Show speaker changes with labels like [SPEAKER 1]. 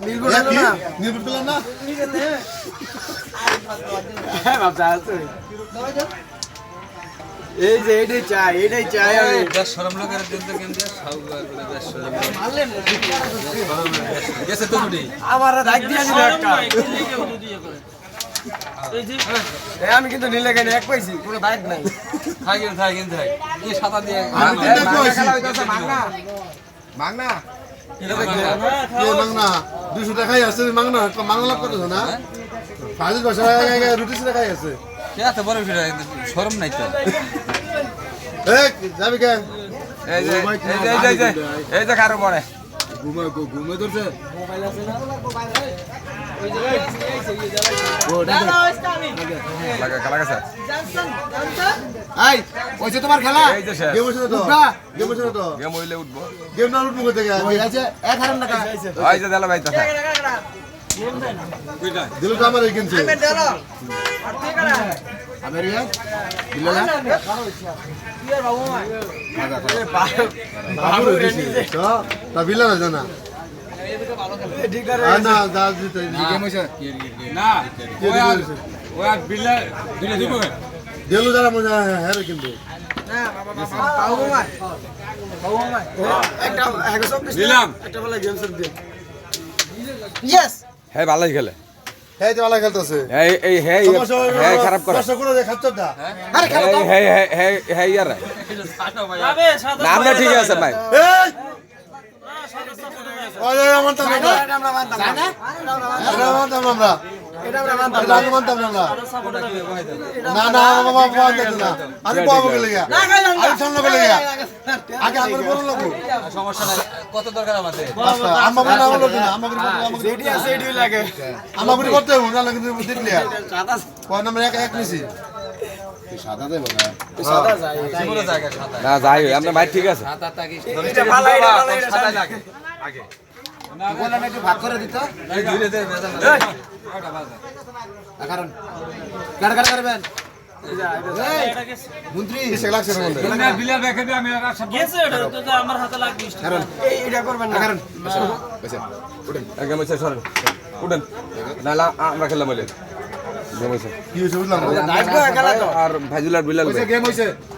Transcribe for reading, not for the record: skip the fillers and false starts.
[SPEAKER 1] নির্ভর করলাম না
[SPEAKER 2] এই যে এটাই চাই আমি
[SPEAKER 3] বেশ শরম লোকের দিনতে কেমন সাউবার করে বেশ শরম গেছে তো ছুটি
[SPEAKER 2] আমার দাগ দিয়া দিল একটা আমি কিন্তু নিলে কেন এক পাইছি কোনো দাগ নাই
[SPEAKER 3] থাকেন এই সাদা দিয়ে
[SPEAKER 1] আমি তিনটা কইছি
[SPEAKER 2] মাংনা
[SPEAKER 1] মাংনা মাংনা 200 টাকাই আছে মাংনা মাংনা লাভ করতেছ না ফাজিল বসা রুটি সিরা খাই আছে
[SPEAKER 3] কে এত বড় ফিরে শরম নাই তো
[SPEAKER 1] এই যাবি কে
[SPEAKER 3] এই যে কারো পরে
[SPEAKER 1] ঘুমে ধরছে
[SPEAKER 2] মোবাইল আছে না ওই যে
[SPEAKER 3] লাগা গেছে
[SPEAKER 1] আই ওই যে তোমার খেলা
[SPEAKER 3] এই যে শেষ।
[SPEAKER 1] গেম হইছে তো গেম হইছে তো
[SPEAKER 3] গেম হইলে উঠবো
[SPEAKER 1] গেম না উঠবো থেকে আছে 1000 টাকা
[SPEAKER 3] ওই যে দেলা ভাই তাছা
[SPEAKER 1] দিল তো আমার কিনছে আমার ইয়া দিল না বাবু দিছে তো তা বিলা না জানা না যা দিতে গেম হইছে
[SPEAKER 3] না ওই আর বিল্লা দিলে দিব
[SPEAKER 1] দিল যারা মজা হ্যাঁ কিন্তু
[SPEAKER 3] দিলাম
[SPEAKER 2] একটা বলে গেম সব দিয়ে ইয়েস
[SPEAKER 3] হ্যাঁ ভালোই খেলে
[SPEAKER 1] হ্যাঁ তো ভালো খেলতেছে
[SPEAKER 3] এই হ্যাঁ খারাপ করে
[SPEAKER 1] দর্শক করে খাচ্ছটা
[SPEAKER 2] আরে খেলো তো
[SPEAKER 3] হ্যাঁ ইয়ার না আমরা ঠিক আছে ভাই
[SPEAKER 1] এই ওরে আমার তো না
[SPEAKER 2] এটা আমরা মানতাম না
[SPEAKER 1] এটা মানতাম না আমরা
[SPEAKER 2] এটা আমরা মানতাম
[SPEAKER 1] এটা আমি মানতাম না আমরা না না বাবা বাবা দেখো না আমি বাবা বলে গিয়া আমি সামনে বলে গিয়া আগে আমার বলল লোক
[SPEAKER 3] সমস্যা নাই কত দরকার আমাদের
[SPEAKER 1] আম্মা বলে আমার লোক না আম্মা বলে
[SPEAKER 2] যেটি আছে এটাই লাগে
[SPEAKER 1] আম্মা বলে করতে হবে না কিন্তু দেখলে
[SPEAKER 2] সাদা
[SPEAKER 1] কোন নাম্বার এক নিছি সাদা দেব না
[SPEAKER 2] সাদা যায়
[SPEAKER 3] পুরো জায়গা সাদা না যাই আমরা ভাই ঠিক আছে সাদা তাকি
[SPEAKER 2] এটা ভালো এটা
[SPEAKER 3] সাদা লাগে আগে
[SPEAKER 2] বললাম একটু ভাগ করে দিত
[SPEAKER 3] এই ধীরে ধীরে বেজান
[SPEAKER 1] কারণ কাট কাট করবেন মন্ত্রী এসে লাগছে না বলতে
[SPEAKER 3] না বিলাল রেখে দে আমি আর সব
[SPEAKER 4] গেছে এটা তো আমার হাতে লাগবে
[SPEAKER 1] কারণ
[SPEAKER 2] এটা করবেন না
[SPEAKER 1] কারণ বসে উঠেন
[SPEAKER 3] একদম হচ্ছে সরেন উঠেন না আমরা খেললাম বলে গেম হয়েছে
[SPEAKER 1] কি হইছে বুঝলাম
[SPEAKER 2] নাইট গো খেলা তো
[SPEAKER 3] আর ভাইজুলার বিলাল
[SPEAKER 1] গেম হইছে